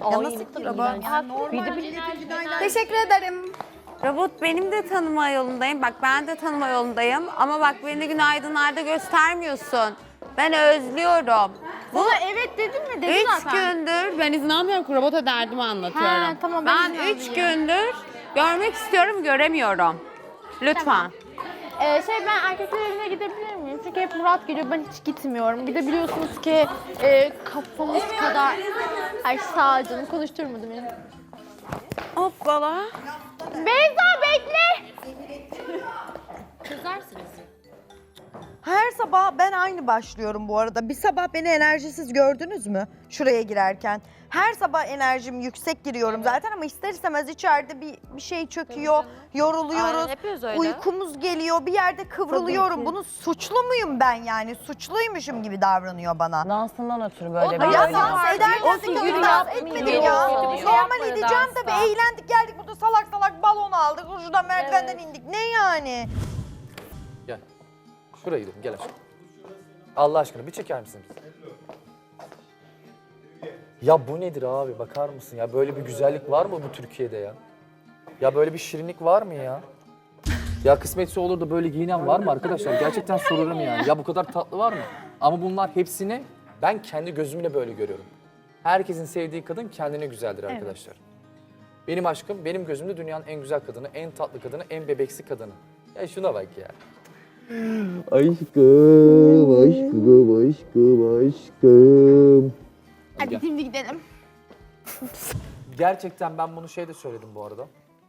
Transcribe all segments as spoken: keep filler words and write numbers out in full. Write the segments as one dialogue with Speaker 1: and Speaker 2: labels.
Speaker 1: Ya nasıl kırılır?
Speaker 2: Teşekkür ederim.
Speaker 3: Robot benim de tanıma yolundayım. Bak ben de tanıma yolundayım. Ama bak beni günaydınlarda göstermiyorsun. Ben özlüyorum. Bu
Speaker 2: Evet dedin mi? Dedin
Speaker 3: üç
Speaker 2: zaten.
Speaker 3: gündür ben izin almıyorum ki robota derdimi anlatıyorum.
Speaker 2: Ha, tamam, ben
Speaker 3: ben
Speaker 2: izin
Speaker 3: üç
Speaker 2: aldım
Speaker 3: gündür görmek istiyorum, göremiyorum. Lütfen.
Speaker 2: Ee, şey ben erkekler evine gidebilir miyim? Çünkü hep Murat geliyor, ben hiç gitmiyorum. Bir de biliyorsunuz ki e, kafamız kadar... Ay sağ ol canım, konuşturmadı beni.
Speaker 3: Hoppala.
Speaker 2: Beyza bekle!
Speaker 1: Her sabah ben aynı başlıyorum bu arada. Bir sabah beni enerjisiz gördünüz mü? Şuraya girerken. Her sabah enerjim yüksek giriyorum zaten ama ister istemez içeride bir, bir şey çöküyor, yoruluyoruz.
Speaker 2: Aynen, hepimiz öyle.
Speaker 1: Uykumuz geliyor, bir yerde kıvrılıyorum. Bunun suçlu muyum ben yani? Suçluymuşum gibi davranıyor bana.
Speaker 4: Dansından ötürü böyle bir
Speaker 1: Ya
Speaker 4: öyle.
Speaker 1: dans ederken de
Speaker 3: figürü
Speaker 1: kötü dans
Speaker 3: yapmıyor.
Speaker 1: etmedim ya.
Speaker 3: Kötü bir şey
Speaker 1: Normal
Speaker 3: yapmadı
Speaker 1: edeceğim
Speaker 3: dansta.
Speaker 1: tabii. Eğlendik geldik burada salak salak balon aldık. Şuradan merdivenden indik. Ne yani?
Speaker 5: Gel. Şuraya gidelim, gel aşkım. Allah aşkına bir çeker misiniz? Ya bu nedir abi, bakar mısın ya? Böyle bir güzellik var mı bu Türkiye'de ya? Ya böyle bir şirinlik var mı ya? Ya kısmetse olur da böyle giyinen var mı arkadaşlar? Gerçekten soruyorum yani. Ya bu kadar tatlı var mı? Ama bunlar hepsini ben kendi gözümle böyle görüyorum. Herkesin sevdiği kadın kendine güzeldir arkadaşlar. Benim aşkım, benim gözümde dünyanın en güzel kadını, en tatlı kadını, en bebeksi kadını. Ya şuna bak ya.
Speaker 6: Aşkım, aşkım, aşkım, aşkım.
Speaker 2: Hadi şimdi gidelim.
Speaker 5: Gerçekten ben bunu şeyde söyledim bu arada.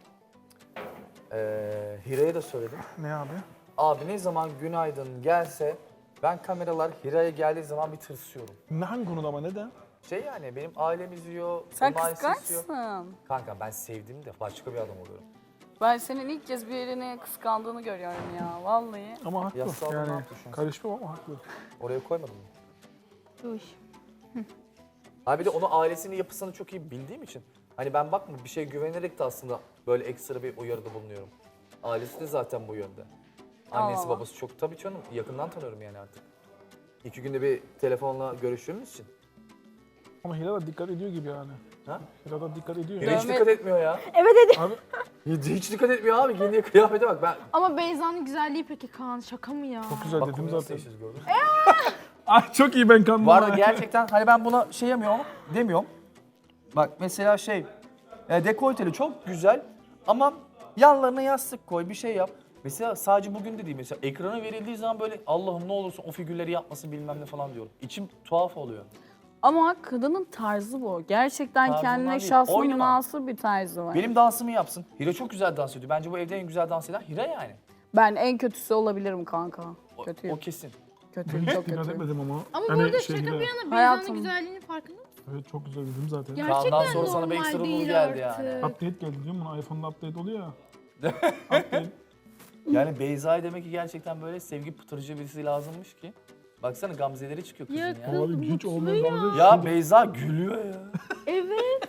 Speaker 5: Ee, Hira'ya da söyledim.
Speaker 7: Ne abi?
Speaker 5: Abi ne zaman günaydın gelse ben kameralar Hira'ya geldiği zaman bir tırsıyorum.
Speaker 7: Ne hangi konuda ama neden?
Speaker 5: Şey yani benim ailem izliyor,
Speaker 8: Sen
Speaker 5: onun ailesi izliyor.
Speaker 8: kıskançsın.
Speaker 5: Kanka ben sevdiğimde başka bir adam oluyorum.
Speaker 8: Ben senin ilk kez birini kıskandığını görüyorum ya vallahi.
Speaker 7: Ama haklı.
Speaker 5: Yasal ne
Speaker 7: yani
Speaker 5: yaptı şu an?
Speaker 7: karışmam ama haklı.
Speaker 5: Oraya koymadım mı?
Speaker 2: Duş.
Speaker 5: Abi bir de onun ailesinin yapısını çok iyi bildiğim için. Hani ben bakma bir şey güvenerek de aslında böyle ekstra bir uyarıda bulunuyorum. Ailesi de zaten bu yönde. Annesi
Speaker 8: Aa.
Speaker 5: babası çok tabii canım yakından tanıyorum yani artık. İki günde bir telefonla görüştüğümüz için.
Speaker 7: Ama Hira da dikkat ediyor gibi yani.
Speaker 5: Ha?
Speaker 7: Hira da dikkat ediyor.
Speaker 5: Hira hiç
Speaker 8: Dövme-
Speaker 5: dikkat etmiyor ya.
Speaker 2: Evet dedi.
Speaker 7: Abi
Speaker 5: Hiç, hiç dikkat etmiyor abi. Giyindiği kıyafete bak. Ben
Speaker 2: Ama Beyza'nın güzelliği peki Kaan, şaka mı ya?
Speaker 7: çok güzel
Speaker 5: bak
Speaker 7: dedim
Speaker 5: bunu
Speaker 7: zaten.
Speaker 5: nasıl gördün.
Speaker 7: Ay çok iyi ben kandım.
Speaker 5: Bu arada gerçekten hani ben buna şey yemiyorum demiyorum. Bak mesela şey e, dekolteli çok güzel ama yanlarına yastık koy bir şey yap. Mesela sadece bugün de değil mesela ekrana verildiği zaman böyle Allah'ım ne olursun o figürleri yapmasın bilmem ne falan diyorum. İçim tuhaf oluyor.
Speaker 8: Ama kadının tarzı bu. Gerçekten
Speaker 5: Tarzından
Speaker 8: kendine
Speaker 5: değil,
Speaker 8: şahsına
Speaker 5: oynama.
Speaker 8: münasır bir tarzı var.
Speaker 5: Benim dansımı yapsın. Hira çok güzel dans ediyor. Bence bu evde en güzel dans eden Hira yani.
Speaker 8: Ben en kötüsü olabilirim kanka.
Speaker 5: O,
Speaker 8: Kötüyüm.
Speaker 5: o kesin.
Speaker 8: Kötüyüm,
Speaker 7: Hiç
Speaker 8: çok
Speaker 7: dikkat
Speaker 8: kötüyüm.
Speaker 7: etmedim ama.
Speaker 2: Ama
Speaker 7: Hani
Speaker 2: bu arada
Speaker 7: şey
Speaker 2: şaka
Speaker 7: Hira-
Speaker 2: bir yana Beyza'nın
Speaker 8: Hayatım.
Speaker 2: güzelliğinin farkında mısın?
Speaker 7: Evet çok güzel dedim zaten.
Speaker 2: Gerçekten
Speaker 5: Kaan'dan sonra sana bir
Speaker 2: normal
Speaker 5: ekstra
Speaker 2: değil
Speaker 5: nur geldi
Speaker 2: artık.
Speaker 5: yani.
Speaker 7: Update geldi diyorum buna iPhone'da update oluyor ya. Update.
Speaker 5: Yani Beyza'ya demek ki gerçekten böyle sevgi pıtırıcı birisi lazımmış ki. Baksana gamzeleri çıkıyor kızın
Speaker 2: Ya
Speaker 5: ya.
Speaker 2: kız-
Speaker 7: Abi hiç
Speaker 2: mutlu
Speaker 7: olmuyor.
Speaker 2: ya.
Speaker 7: Dalga-
Speaker 5: Ya Beyza gülüyor ya.
Speaker 2: Evet.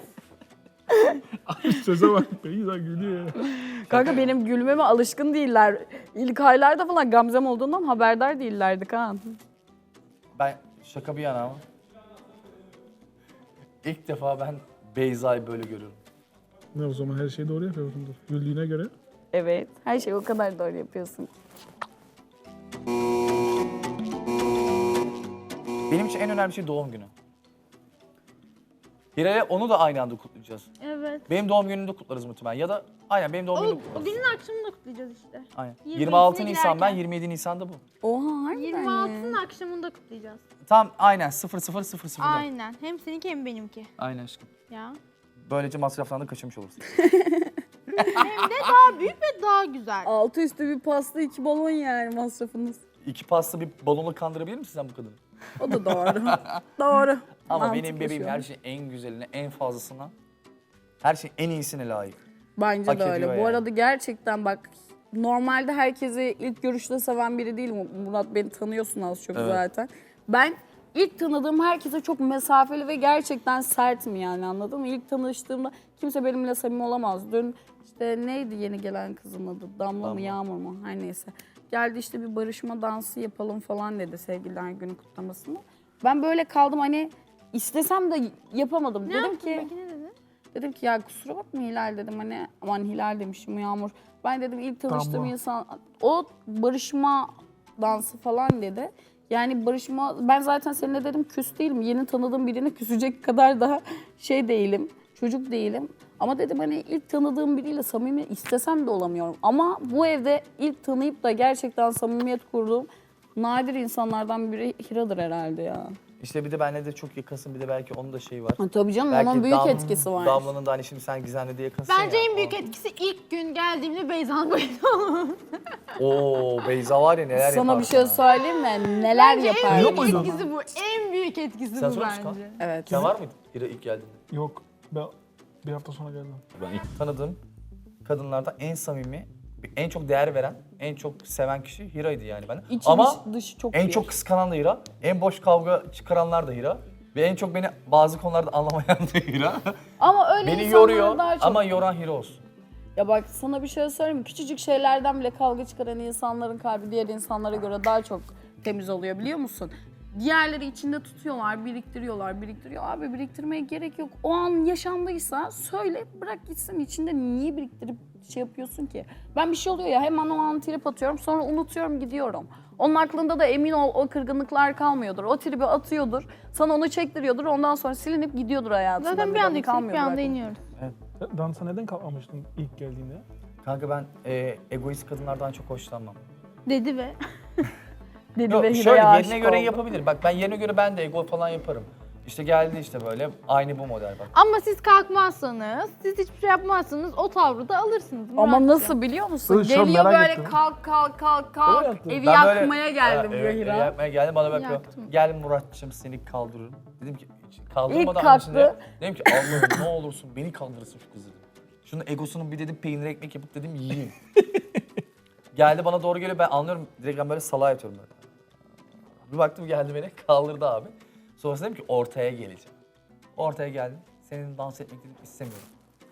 Speaker 7: Söze bak. Beyza gülüyor ya.
Speaker 8: Kanka benim gülmeme alışkın değiller. İlk aylarda falan Gamzem olduğundan haberdar değillerdi Kaan.
Speaker 5: Ben şaka bir yana ama. İlk defa ben Beyza'yı böyle görüyorum.
Speaker 7: Ne o zaman her şeyi doğru yapıyorsundur. Güldüğüne göre.
Speaker 8: Evet, her şeyi o kadar doğru yapıyorsun.
Speaker 5: Benim için en önemli şey doğum günü. Hira'ya onu da aynı anda kutlayacağız.
Speaker 2: Evet.
Speaker 5: Benim doğum günümü de kutlarız muhtemelen. Ya da aynen benim doğum
Speaker 2: O,
Speaker 5: günümü
Speaker 2: o
Speaker 5: kutlarız.
Speaker 2: günün akşamını da kutlayacağız işte.
Speaker 5: Aynen.
Speaker 2: yirmi
Speaker 5: yirmi altı
Speaker 2: ikisine
Speaker 5: Nisan ben,
Speaker 2: giderken.
Speaker 5: yirmi yedi Nisan'da bu.
Speaker 8: Oha harbiden
Speaker 2: yirmi
Speaker 8: mi?
Speaker 2: altısının akşamını da kutlayacağız.
Speaker 5: Tam aynen sıfır sıfır sıfır sıfırda.
Speaker 2: Aynen. Hem seninki hem benimki.
Speaker 5: Aynen aşkım.
Speaker 2: Ya.
Speaker 5: Böylece masraftan da kaçırmış olursun.
Speaker 2: Hem de daha büyük ve daha güzel.
Speaker 8: Altı üstü bir pasta, iki balon yani masrafınız.
Speaker 5: İki pasta bir balonla kandırabilir misin sen bu kadını?
Speaker 8: O da doğru. Doğru.
Speaker 5: Ama
Speaker 8: Mantıklı
Speaker 5: benim bebeğim
Speaker 8: şu an.
Speaker 5: her şeyin en güzeline, en fazlasına, her şeyin en iyisine layık.
Speaker 8: Bence
Speaker 5: hak
Speaker 8: de öyle.
Speaker 5: ediyor
Speaker 8: Bu
Speaker 5: yani.
Speaker 8: arada gerçekten bak normalde herkesi ilk görüşte seven biri değilim. Murat beni tanıyorsun az çok
Speaker 5: Evet.
Speaker 8: zaten. Ben ilk tanıdığım herkese çok mesafeli ve gerçekten sertim yani anladın mı? İlk tanıştığımda kimse benimle samimi olamaz. Dün işte neydi yeni gelen kızın adı? Damla,
Speaker 5: Damla.
Speaker 8: mı Yağmur mu? Her neyse. Geldi işte bir barışma dansı yapalım falan dedi sevgililer günü kutlamasında. Ben böyle kaldım hani istesem de yapamadım.
Speaker 2: Ne
Speaker 8: Dedim
Speaker 2: yaptın
Speaker 8: ki
Speaker 2: peki, ne dedin?
Speaker 8: Dedim ki ya kusura bakma Hilal dedim hani aman Hilal demişim Yağmur. Ben dedim ilk tanıştığım
Speaker 7: Damla.
Speaker 8: insan o barışma dansı falan dedi. Yani barışma ben zaten seninle dedim küs değilim. Yeni tanıdığım birine küsecek kadar daha şey değilim. Çocuk değilim. Ama dedim hani ilk tanıdığım biriyle samimi istesem de olamıyorum. Ama bu evde ilk tanıyıp da gerçekten samimiyet kurduğum nadir insanlardan biri Hira'dır herhalde ya.
Speaker 5: İşte bir de benle de çok yakınsın. Bir de belki onun da şeyi var.
Speaker 8: Ha, tabii canım
Speaker 5: Belki
Speaker 8: onun büyük
Speaker 5: Dam-
Speaker 8: etkisi var.
Speaker 5: Damla'nın da hani şimdi sen Gizem'le de yakınsın
Speaker 2: Bence
Speaker 5: ya.
Speaker 2: en büyük etkisi ilk gün geldiğimde Beyza'nın bayıldı.
Speaker 5: Oo Beyza var ya neler
Speaker 8: Sana
Speaker 5: yapar
Speaker 8: bir şey
Speaker 5: sana.
Speaker 8: söyleyeyim mi? Neler
Speaker 2: Bence en
Speaker 8: yapar?
Speaker 2: büyük
Speaker 7: muydu?
Speaker 2: etkisi bu. En büyük etkisi
Speaker 5: Sen
Speaker 2: bu
Speaker 5: sor musun?
Speaker 2: bence.
Speaker 8: Evet.
Speaker 5: Sen var mıydın Hira ilk geldiğinde?
Speaker 7: Yok. Ben bir hafta sonra geldim.
Speaker 5: Ben ilk tanıdığım kadınlardan en samimi, en çok değer veren, en çok seven kişi Hira'ydı yani ben.
Speaker 8: İçi
Speaker 5: Ama
Speaker 8: dışı, dışı çok
Speaker 5: en
Speaker 8: bir.
Speaker 5: çok kıskanan da Hira, en boş kavga çıkaranlar da Hira. Ve en çok beni bazı konularda anlamayan da Hira.
Speaker 8: Ama öyle
Speaker 5: Beni
Speaker 8: insanlar
Speaker 5: yoruyor
Speaker 8: daha çok...
Speaker 5: ama yoran Hira olsun.
Speaker 8: Ya bak sana bir şey söyleyeyim mi? Küçücük şeylerden bile kavga çıkaran insanların kalbi diğer insanlara göre daha çok temiz oluyor biliyor musun? Diğerleri içinde tutuyorlar, biriktiriyorlar, biriktiriyor. Abi biriktirmeye gerek yok. O an yaşandıysa söyle, bırak gitsin. İçinde niye biriktirip şey yapıyorsun ki? Ben bir şey oluyor ya hemen o an trip atıyorum, sonra unutuyorum, gidiyorum. Onun aklında da emin ol o kırgınlıklar kalmıyordur. O tribi atıyordur, sana onu çektiriyordur. Ondan sonra silinip gidiyordur hayatından.
Speaker 2: Zaten bir anda yükselip bir
Speaker 8: kalmıyordur
Speaker 2: anda
Speaker 8: aklında.
Speaker 2: iniyoruz.
Speaker 7: Dansa neden kalkmamıştın ilk geldiğinde?
Speaker 5: Kanka ben e, egoist kadınlardan çok hoşlanmam.
Speaker 2: Dedi ve
Speaker 8: Dedi
Speaker 5: Yok
Speaker 8: ve
Speaker 5: şöyle
Speaker 8: Hira'ya
Speaker 5: yerine
Speaker 8: aşık
Speaker 5: göre
Speaker 8: oldu.
Speaker 5: yapabilir. Bak ben yerine göre ben de ego falan yaparım. İşte geldi işte böyle aynı bu model bak.
Speaker 2: ama siz kalkmazsanız, siz hiçbir şey yapmazsanız o tavrı da alırsınız.
Speaker 8: Ama
Speaker 2: Muratcığım.
Speaker 8: nasıl biliyor musun?
Speaker 7: Dur, şu an
Speaker 8: Geliyor
Speaker 7: merak
Speaker 8: böyle
Speaker 7: ettim.
Speaker 8: kalk kalk kalk
Speaker 7: Öyle
Speaker 8: kalk.
Speaker 7: yaptın.
Speaker 8: Evi
Speaker 5: Ben böyle-
Speaker 8: yakmaya geldim
Speaker 5: Ha,
Speaker 8: diyor
Speaker 5: evet,
Speaker 8: Hira.
Speaker 5: evi yakmaya geldi bana bakıyor.
Speaker 2: Yaktım.
Speaker 5: Gel Muratçım seni kaldırırım. Dedim ki
Speaker 8: İlk
Speaker 5: kaldırmadan
Speaker 8: kalktı.
Speaker 5: öncesinde dedim ki Allah'ım ne olursun beni kaldırırsın şu kızı dedim. Şunun egosunun bir dedim peynir ekmek yapıp dedim yiyeyim. Geldi bana doğru geliyor ben anlıyorum direkt ben böyle salağa yatıyorum böyle. Bir baktım geldi beni kaldırdı abi. Sonrasında dedim ki ortaya geleceğim. Ortaya geldim. Senin dans etmek dedim istemiyorum.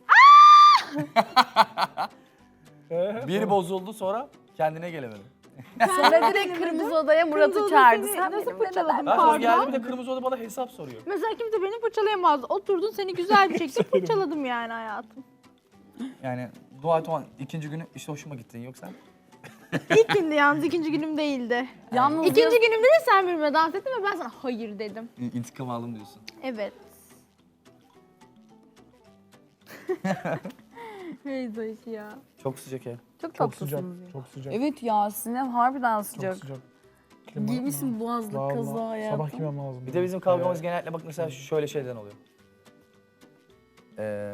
Speaker 5: Biri bozuldu sonra kendine gelemedim.
Speaker 8: Sonra direkt kırmızı odaya Murat'ı
Speaker 2: Kırmızı
Speaker 8: çağırdı.
Speaker 2: seni
Speaker 8: Sen
Speaker 2: nasıl
Speaker 8: benimle
Speaker 2: fırçaladın?
Speaker 8: neden-
Speaker 5: Ben sonra
Speaker 2: Pardon?
Speaker 5: geldi bir de kırmızı oda bana hesap soruyor.
Speaker 2: Mesela kimse beni fırçalayamaz. Oturdun seni güzel bir şekilde fırçaladım yani hayatım.
Speaker 5: Yani dua et o an ikinci günü işte hoşuma gittin yoksa.
Speaker 2: İlk gündü yalnız, ikinci günüm değildi.
Speaker 8: Yalnız
Speaker 2: İkinci
Speaker 8: yaz-
Speaker 2: günümde de sen benimle dans ettin ve ben sana hayır dedim.
Speaker 5: İntikam aldım diyorsun.
Speaker 2: Evet. Beyza işi ya.
Speaker 5: Çok sıcak ev.
Speaker 8: Çok
Speaker 7: Çok sıcak.
Speaker 8: tatlısınız. ya.
Speaker 7: Çok sıcak.
Speaker 8: Evet ya Sinem harbiden
Speaker 7: Çok
Speaker 8: sıcak.
Speaker 7: sıcak. Klima-
Speaker 8: Giymişsin boğazlı
Speaker 7: Vallahi,
Speaker 8: kaza hayatım.
Speaker 7: Sabah giymem lazım.
Speaker 5: Bir de bizim kavgamız genellikle bak mesela şöyle şeyden oluyor. Ee,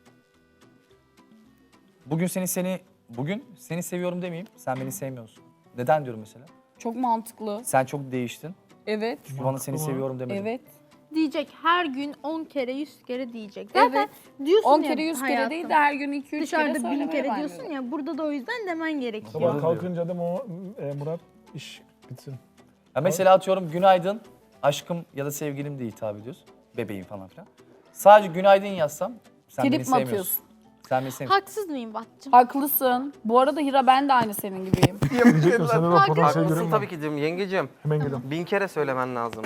Speaker 5: bugün seni seni bugün seni seviyorum demeyeyim. Sen beni sevmiyorsun. Neden diyorum mesela?
Speaker 8: Çok mantıklı.
Speaker 5: Sen çok değiştin.
Speaker 8: Evet.
Speaker 5: Bana seni
Speaker 7: mı?
Speaker 5: seviyorum demedim.
Speaker 8: Evet.
Speaker 2: Diyecek her gün on kere yüz kere diyecek. Zaten
Speaker 8: Evet.
Speaker 2: diyorsun
Speaker 8: on
Speaker 2: ya
Speaker 8: kere yüz kere
Speaker 2: hayatım,
Speaker 8: değil de her gün iki üç kere
Speaker 2: dışarıda bin
Speaker 8: söylemeye
Speaker 2: kere
Speaker 8: başladı.
Speaker 2: diyorsun ya, burada da o yüzden demen gerekiyor.
Speaker 7: Sabah
Speaker 5: Doğru
Speaker 7: kalkınca da o e, Murat iş bitsin.
Speaker 5: Ya mesela atıyorum günaydın aşkım ya da sevgilim diye hitap ediyoruz. Bebeğim falan filan. Sadece günaydın yazsam sen
Speaker 8: Trip
Speaker 5: beni
Speaker 8: mi
Speaker 5: sevmiyorsun.
Speaker 8: atıyorsun?
Speaker 5: Sen beni sevmiyorsun.
Speaker 2: Haksız mıyım Batçım?
Speaker 8: Haklısın. Bu arada Hira ben de aynı senin gibiyim.
Speaker 7: Diyecektim sende de potansiyel
Speaker 4: Haklısın
Speaker 7: görüyorum
Speaker 4: tabii
Speaker 7: ben.
Speaker 4: ki diyorum yengecim.
Speaker 7: Hemen geliyorum.
Speaker 4: Bin kere söylemen lazım.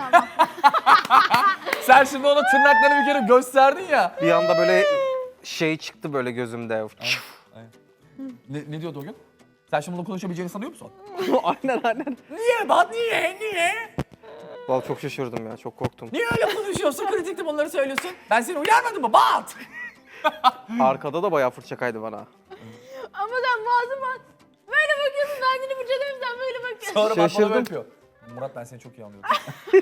Speaker 5: Sen şimdi ona tırnaklarını bir kere gösterdin ya.
Speaker 4: Bir anda böyle şey çıktı böyle gözümde.
Speaker 5: Ne, ne diyordu o gün? Sen şimdi bunu konuşabileceğini sanıyor musun?
Speaker 4: aynen aynen.
Speaker 5: Niye Bat niye niye?
Speaker 4: Vallahi çok şaşırdım ya, çok korktum.
Speaker 5: Niye öyle konuşuyorsun? Kritikte bunları söylüyorsun. Ben seni uyarmadım mı? Bat!
Speaker 4: Arkada da bayağı fırça kaydı bana.
Speaker 2: Ama sen boğazıma böyle bakıyorsun, ben seni fırçalıyorum, sen böyle bakıyorsun.
Speaker 5: Sonra bak bana
Speaker 4: Şaşırdım.
Speaker 5: böyle yapıyor. Murat ben seni çok iyi anlıyorum.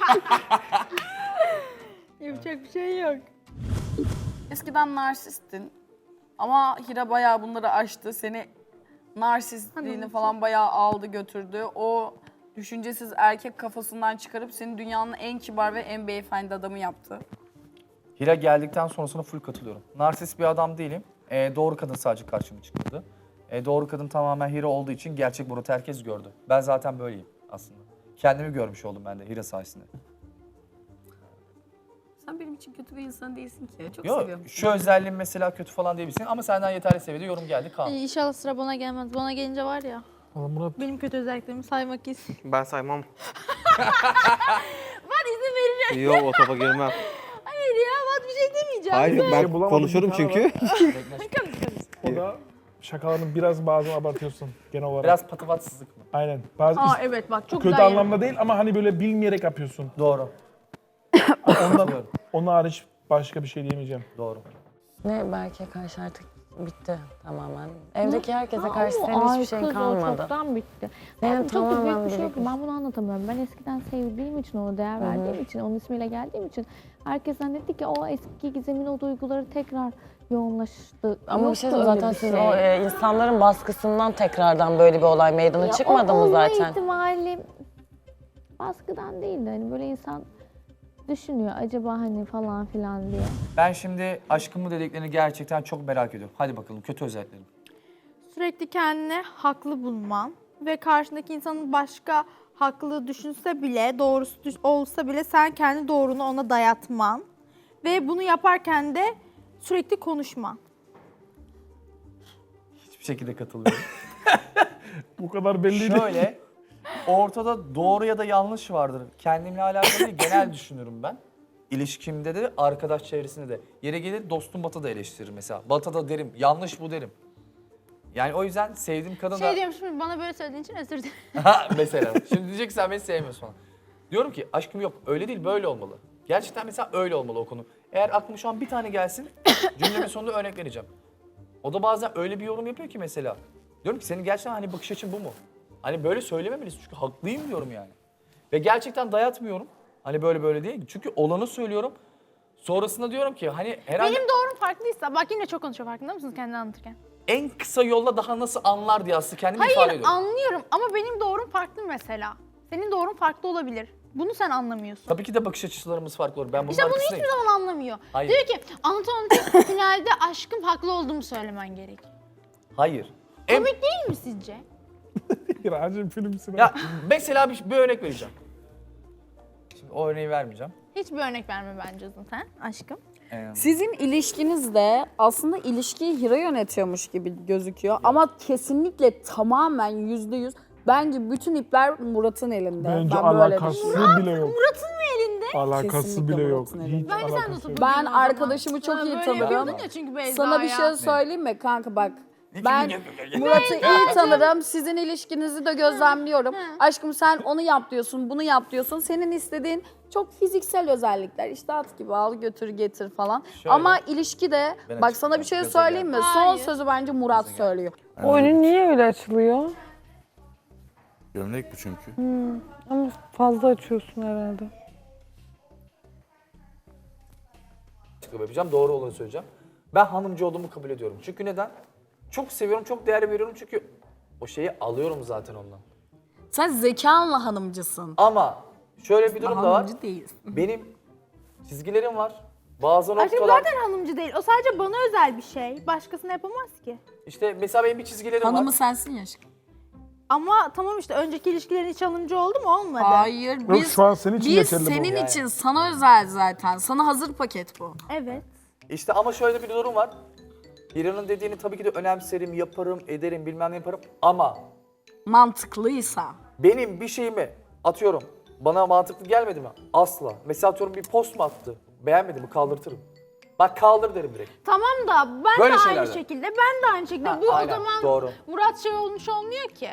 Speaker 2: Yapacak bir şey yok.
Speaker 8: Eskiden narsistin. Ama Hira bayağı bunları aştı. Seni narsistliğini falan bayağı aldı götürdü. O düşüncesiz erkek kafasından çıkarıp seni dünyanın en kibar ve en beyefendi adamı yaptı.
Speaker 5: Hira geldikten sonrasına full katılıyorum. Narsist bir adam değilim. Ee, doğru kadın sadece karşıma çıkmadı. Ee, doğru kadın tamamen Hira olduğu için gerçek Murat'ı herkes gördü. Ben zaten böyleyim aslında. Kendimi görmüş oldum ben de Hira sayesinde.
Speaker 8: Sen benim için kötü bir insan değilsin ki. Çok
Speaker 5: Yok
Speaker 8: seviyorum.
Speaker 5: şu özelliğim mesela kötü falan diyebilirsin ama senden yeterli seviyede yorum geldi Kaan.
Speaker 2: İnşallah sıra bana gelmez. Bana gelince var ya,
Speaker 7: Valla Murat
Speaker 2: benim kötü özelliklerimi saymak istiyor.
Speaker 4: Ben saymam.
Speaker 2: Ben izin vereceğim.
Speaker 4: Yok o topa girmem.
Speaker 2: Hayır ya, bak bir şey demeyeceğim.
Speaker 4: Hayır
Speaker 7: şey
Speaker 4: ben
Speaker 7: bulamadım,
Speaker 4: konuşurum
Speaker 7: bir tane
Speaker 4: çünkü.
Speaker 7: O da şakalarını biraz bazen abartıyorsun genel olarak.
Speaker 5: Biraz patavatsızlık mı?
Speaker 7: Aynen. Bazı
Speaker 2: Aa evet bak çok
Speaker 7: kötü
Speaker 2: güzel yer.
Speaker 7: anlamda değil ama hani böyle bilmeyerek yapıyorsun.
Speaker 5: Doğru.
Speaker 7: Ondan, onun hariç başka bir şey diyemeyeceğim.
Speaker 5: Doğru.
Speaker 9: Ne Berke'ye karşı artık bitti tamamen. Evdeki herkese
Speaker 2: Ha,
Speaker 9: karşı
Speaker 2: ama
Speaker 9: senin hiçbir
Speaker 2: ay
Speaker 9: şeyin
Speaker 2: kız, o
Speaker 9: kalmadı.
Speaker 2: çoktan bitti.
Speaker 9: Senin
Speaker 2: Abi, çok da büyük
Speaker 9: tamamen
Speaker 2: bir şey yok.
Speaker 9: birikmiş.
Speaker 2: Ben bunu anlatamıyorum. Ben eskiden sevdiğim için, ona değer verdiğim için, onun ismiyle geldiğim için herkes zannetti ki o eski Gizem'in o duyguları tekrar yoğunlaştı.
Speaker 9: Ama bir şey
Speaker 2: Yoktu
Speaker 9: söyleyeyim,
Speaker 2: öyle
Speaker 9: zaten
Speaker 2: bir
Speaker 9: siz o e, insanların baskısından tekrardan böyle bir olay meydana
Speaker 2: Ya
Speaker 9: çıkmadı
Speaker 2: o
Speaker 9: mı
Speaker 2: olma
Speaker 9: zaten?
Speaker 2: ihtimali baskıdan değil de hani böyle insan düşünüyor acaba hani falan filan diye.
Speaker 5: Ben şimdi aşkımı dediklerini gerçekten çok merak ediyorum. Hadi bakalım kötü özelliklerim.
Speaker 10: Sürekli kendini haklı bulman ve karşındaki insanın başka haklı düşünse bile, doğrusu düş- olsa bile sen kendi doğrunu ona dayatman ve bunu yaparken de sürekli konuşman.
Speaker 5: Hiçbir şekilde katılıyorum.
Speaker 7: Bu kadar belliydi.
Speaker 5: Şöyle, ortada doğru ya da yanlış vardır. Kendimle alakalı değil, genel düşünürüm ben. İlişkimde de, arkadaş çevresinde de. Yere gelir dostum Batı da eleştirir mesela. Batı da derim, yanlış bu derim. Yani o yüzden sevdiğim kadın da...
Speaker 10: Şey diyorum şimdi bana böyle söylediğin için özür dilerim.
Speaker 5: Ha, mesela. Şimdi diyeceksin sen beni sevmiyorsun falan. Diyorum ki aşkım yok, öyle değil, böyle olmalı. Gerçekten mesela öyle olmalı o konu. Eğer aklıma şu an bir tane gelsin, cümlemin sonunda örnek vereceğim. O da bazen öyle bir yorum yapıyor ki mesela. Diyorum ki senin gerçekten hani bakış açın bu mu? Hani böyle söylememelisin çünkü haklıyım diyorum yani. Ve gerçekten dayatmıyorum. Hani böyle böyle değil. Çünkü olanı söylüyorum. Sonrasında diyorum ki hani herhalde
Speaker 10: Benim doğrum farklıysa, bak yine çok konuşuyor farkında mısınız kendini anlatırken?
Speaker 5: en kısa yolla daha nasıl anlar diye aslında kendimi ifade
Speaker 10: Hayır
Speaker 5: ediyorum.
Speaker 10: anlıyorum ama benim doğrum farklı mesela. Senin doğrun farklı olabilir. Bunu sen anlamıyorsun.
Speaker 5: Tabii ki de bakış açılarımız farklı olur. Ben bunun
Speaker 10: İşte bunu
Speaker 5: arkasındayım.
Speaker 10: hiçbir zaman anlamıyor.
Speaker 5: Hayır.
Speaker 10: Diyor ki anlatan anlatan finalde aşkım haklı olduğumu söylemen gerek.
Speaker 5: Hayır. En,
Speaker 10: Komik değil mi sizce?
Speaker 7: Racim filmsin.
Speaker 5: ya mesela bir, bir örnek vereceğim. Şimdi o örneği vermeyeceğim.
Speaker 10: Hiçbir örnek verme bence zaten aşkım.
Speaker 5: Ee,
Speaker 8: Sizin ilişkinizde aslında ilişkiyi Hira yönetiyormuş gibi gözüküyor ama kesinlikle tamamen yüzde yüz bence bütün ipler Murat'ın elinde.
Speaker 7: Bence
Speaker 8: ben böyle
Speaker 7: alakası
Speaker 8: düşünüyorum.
Speaker 7: bile yok.
Speaker 10: Murat'ın mı elinde?
Speaker 7: Alakası
Speaker 8: Kesinlikle
Speaker 7: bile yok.
Speaker 8: Murat'ın
Speaker 7: Hiç
Speaker 8: elinde.
Speaker 10: Bence sen de
Speaker 7: alakası yok.
Speaker 10: oturup
Speaker 8: Ben
Speaker 10: bakayım o zaman.
Speaker 8: arkadaşımı çok
Speaker 10: Sana
Speaker 8: iyi
Speaker 10: böyle
Speaker 8: tanırım.
Speaker 10: yapıyordun ya çünkü Beyza'ya.
Speaker 8: Sana bir şey söyleyeyim mi kanka bak. Ben Murat'ı iyi tanırım. Sizin ilişkinizi de gözlemliyorum. Aşkım sen onu yap diyorsun, bunu yap diyorsun. Senin istediğin çok fiziksel özellikler. İşte at gibi al götür getir falan.
Speaker 5: Şöyle.
Speaker 8: Ama ilişkide
Speaker 5: Ben
Speaker 8: bak sana bir şey
Speaker 5: açıkçası
Speaker 8: söyleyeyim mi? Son
Speaker 10: Hayır.
Speaker 8: sözü bence Murat söylüyor.
Speaker 9: O önün niye öyle açılıyor?
Speaker 6: Gömlek bu çünkü.
Speaker 9: Ama fazla açıyorsun herhalde.
Speaker 5: açıklama yapacağım. Doğru olanı söyleyeceğim. Ben hanımcı olduğumu kabul ediyorum. Çünkü neden? Çok seviyorum, çok değer veriyorum çünkü o şeyi alıyorum zaten ondan.
Speaker 8: Sen zekanla hanımcısın.
Speaker 5: Ama şöyle bir durum da var.
Speaker 8: Hanımcı değilsin.
Speaker 5: Benim çizgilerim var. Bazı
Speaker 10: Aşkım
Speaker 5: noktalar...
Speaker 10: zaten hanımcı değil. O sadece bana özel bir şey. Başkasına yapamaz ki.
Speaker 5: İşte mesela benim bir çizgilerim
Speaker 8: Hanımı
Speaker 5: var.
Speaker 8: sensin ya aşkım.
Speaker 10: Ama tamam işte önceki ilişkilerin hiç hanımcı oldu mu? Olmadı.
Speaker 8: Hayır
Speaker 7: Yok
Speaker 8: biz,
Speaker 7: şu an senin için
Speaker 8: biz
Speaker 7: geçerli bu.
Speaker 8: senin
Speaker 5: Yani.
Speaker 8: için sana özel zaten. Sana hazır paket bu.
Speaker 10: Evet.
Speaker 5: İşte ama şöyle bir durum var. Hira'nın dediğini tabii ki de önemserim, yaparım, ederim, bilmem ne yaparım. Ama
Speaker 8: Mantıklıysa.
Speaker 5: benim bir şeyimi atıyorum. Bana mantıklı gelmedi mi? Asla. Mesela atıyorum bir post mu attı? Beğenmedi mi? Kaldırtırım. Bak kaldır derim direkt.
Speaker 10: Tamam da ben
Speaker 5: Böyle
Speaker 10: de aynı
Speaker 5: şeylerden.
Speaker 10: şekilde, ben de aynı şekilde.
Speaker 5: Ha,
Speaker 10: Bu
Speaker 5: aynen,
Speaker 10: o zaman
Speaker 5: doğru.
Speaker 10: Murat şey olmuş olmuyor ki.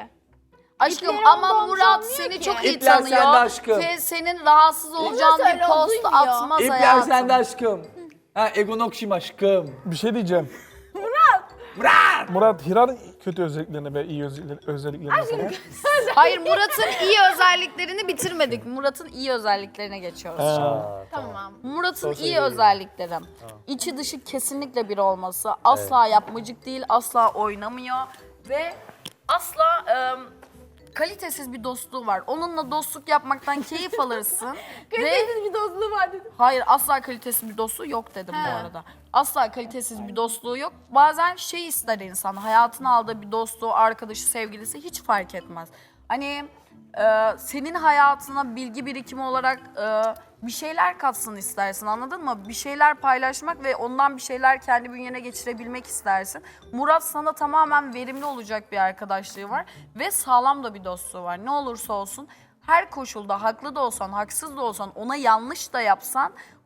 Speaker 8: Aşkım
Speaker 10: İpleri
Speaker 8: ama
Speaker 10: ondan
Speaker 8: Murat
Speaker 10: olmuyor
Speaker 8: seni
Speaker 10: ki.
Speaker 8: çok iyi
Speaker 5: İpler sende
Speaker 8: tanıyor.
Speaker 5: aşkım.
Speaker 8: Ve senin rahatsız olacağın
Speaker 10: söyle,
Speaker 8: bir
Speaker 10: o
Speaker 8: post
Speaker 10: duymuyor.
Speaker 8: atmaz
Speaker 5: İpler
Speaker 8: hayatım.
Speaker 5: sende aşkım. Ha Egon Okşim aşkım.
Speaker 7: Bir şey diyeceğim. Murat! Murat! Murat, Hira'nın kötü özelliklerini ve iyi özelliklerini, özelliklerini sana.
Speaker 8: Hayır Murat'ın iyi özelliklerini bitirmedik. Murat'ın iyi özelliklerine geçiyoruz şimdi.
Speaker 5: Aa,
Speaker 10: Tamam.
Speaker 8: Murat'ın
Speaker 5: Sosyal
Speaker 8: iyi
Speaker 5: bilgi.
Speaker 8: özellikleri. İçi dışı kesinlikle bir olması. Asla yapmacık değil, asla oynamıyor ve asla ım, kalitesiz bir dostluğu var. Onunla dostluk yapmaktan keyif alırsın. ve
Speaker 10: Kalitesiz bir dostluğu var dedim.
Speaker 8: hayır asla kalitesiz bir dostluğu yok dedim bu arada. Asla kalitesiz bir dostluğu yok. Bazen şey ister insan, hayatına aldığı bir dostluğu, arkadaşı, sevgilisi hiç fark etmez. Hani e, senin hayatına bilgi birikimi olarak e, bir şeyler katsın istersin, anladın mı? Bir şeyler paylaşmak ve ondan bir şeyler kendi bünyene geçirebilmek istersin. Murat sana tamamen verimli olacak bir arkadaşlığı var ve sağlam da bir dostluğu var. Ne olursa olsun her koşulda haklı da olsan, haksız da olsan, ona yanlış da yapsan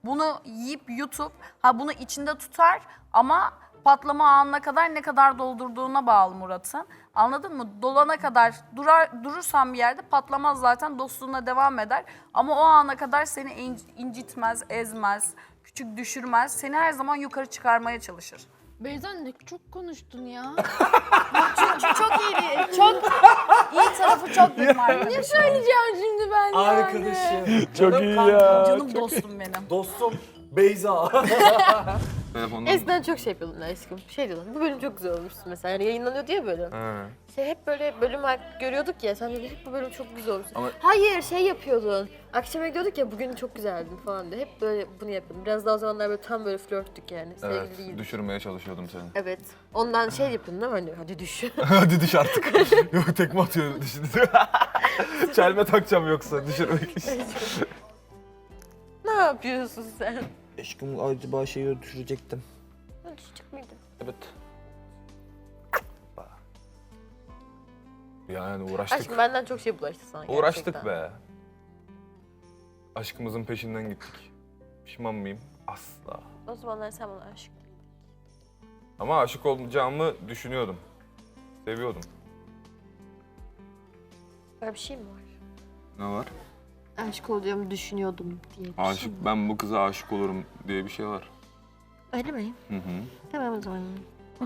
Speaker 8: Bunu yiyip yutup, ha bunu içinde tutar ama patlama anına kadar ne kadar doldurduğuna bağlı Murat'ın. Anladın mı? Dolana kadar durar, durursan bir yerde patlamaz zaten, dostluğuna devam eder. Ama o ana kadar seni in- incitmez, ezmez, küçük düşürmez. Seni her zaman yukarı çıkarmaya çalışır.
Speaker 2: Beyza ne çok konuştun ya.
Speaker 8: Çünkü çok iyi, çok iyi tarafı çok benim arkadaşım.
Speaker 2: Ne söyleyeceğim şimdi ben yani?
Speaker 5: Arkadaşım.
Speaker 7: Çok iyi ya.
Speaker 8: Canım dostum benim.
Speaker 5: Dostum Beyza.
Speaker 11: Eskiden çok şey yapıyordun aşkım. Şey diyordun, bu bölüm çok güzel olmuşsun mesela. Yani yayınlanıyordu ya bölüm. Şey hep böyle bölüm görüyorduk ya, sen de hep bu bölüm çok güzel olmuş.
Speaker 6: Ama-
Speaker 11: Hayır, şey yapıyordun. Akşama gidiyorduk ya, bugün çok güzeldin falan diye. Hep böyle bunu yapıyordum. Biraz daha o zamanlar böyle tam böyle flörttük yani. Sevgili
Speaker 6: Evet,
Speaker 11: değildik.
Speaker 6: düşürmeye çalışıyordum seni.
Speaker 11: Evet. Ondan şey yapıyordun değil mi? Hani hadi düş.
Speaker 6: Hadi düş artık. Yok tekme atıyor düşündü. Çelme takacağım yoksa düşürmek için.
Speaker 11: Ne yapıyorsun sen?
Speaker 6: Aşkım acaba şeyi düşürecektim.
Speaker 11: Ha, düşecek miydin?
Speaker 6: Evet. Yani uğraştık.
Speaker 11: Aşkım benden çok şey bulaştı sana
Speaker 6: Uğraştık
Speaker 11: gerçekten.
Speaker 6: be. Aşkımızın peşinden gittik. Pişman mıyım? Asla.
Speaker 11: O zamanlar sen bana aşık.
Speaker 6: Ama aşık olacağımı düşünüyordum. Seviyordum.
Speaker 11: Böyle bir şey mi var?
Speaker 6: Ne var?
Speaker 11: Aşık olacağımı düşünüyordum diye bir şey
Speaker 6: Aşık,
Speaker 11: mi?
Speaker 6: ben bu kıza aşık olurum diye bir şey var.
Speaker 11: Öyle mi?
Speaker 6: Hı hı.
Speaker 11: Tamam o zaman.